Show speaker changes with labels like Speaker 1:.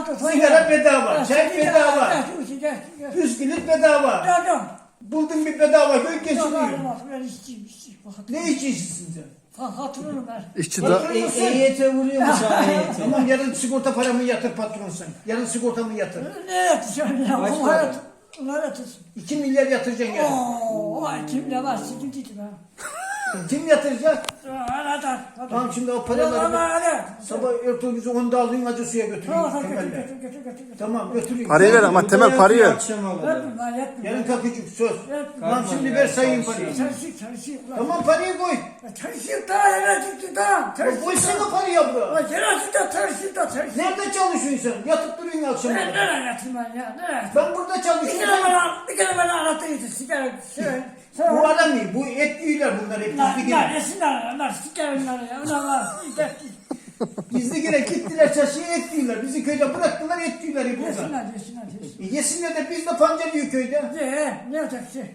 Speaker 1: Sigara bedava, çay bedava, bisküvit bedava. Buldun bir bedava köy geçiniyor.
Speaker 2: Ben içeyim.
Speaker 1: Ne içiyorsun sen?
Speaker 2: Hatırlıyorum ben.
Speaker 3: İşçi da
Speaker 4: EYT vuruyor mu sana EYT?
Speaker 1: Tamam yarın sigorta paramı yatır patron sen. Yarın sigortamı yatır.
Speaker 2: Ne yatacağım ya?
Speaker 4: Kaç
Speaker 2: Onlar
Speaker 4: para?
Speaker 2: yatır. Onlar yatırsın.
Speaker 1: 2 milyar yatıracaksın yarın.
Speaker 2: Vay kimle var? Sıkıntıydı ben.
Speaker 1: Kim yatıracak?
Speaker 2: Anahtar.
Speaker 1: Tamam şimdi o paraları sabah ertuğrulunuzu onda alın acı suya götürün. Temel'le. Tamam götürün.
Speaker 3: parayı ver ama Temel parayı ver.
Speaker 4: Akşam alacağım.
Speaker 1: Yarın kalkacak söz. Tamam şimdi ver sayayım parayı.
Speaker 2: Çalışıyor.
Speaker 1: Tamam parayı koy.
Speaker 2: Çalışıyor daha yere çıktı daha.
Speaker 1: Ya koysana parayı abla.
Speaker 2: Yere çıktı çalışıyor.
Speaker 1: Nerede çalışıyorsun sen? Yatıp duruyorsun akşam.
Speaker 2: Ben nereye yatayım ben ya? Nereye?
Speaker 1: Ben burada çalışıyorum.
Speaker 2: Bir kere bana anlatıyorsun. Sigara.
Speaker 1: Bu adam değil. Bu et yiyorlar bunlar hep gizli girer.
Speaker 2: Nesinler? Sigaralar ya. Onlar
Speaker 1: Gizli girer gittiler çarşıya et yiyorlar. Bizi köyde bıraktılar et yiyorlar hep burada.
Speaker 2: yesinler.
Speaker 1: Yesinler de biz de pancar yiyor köyde.
Speaker 2: Ne olacak şey?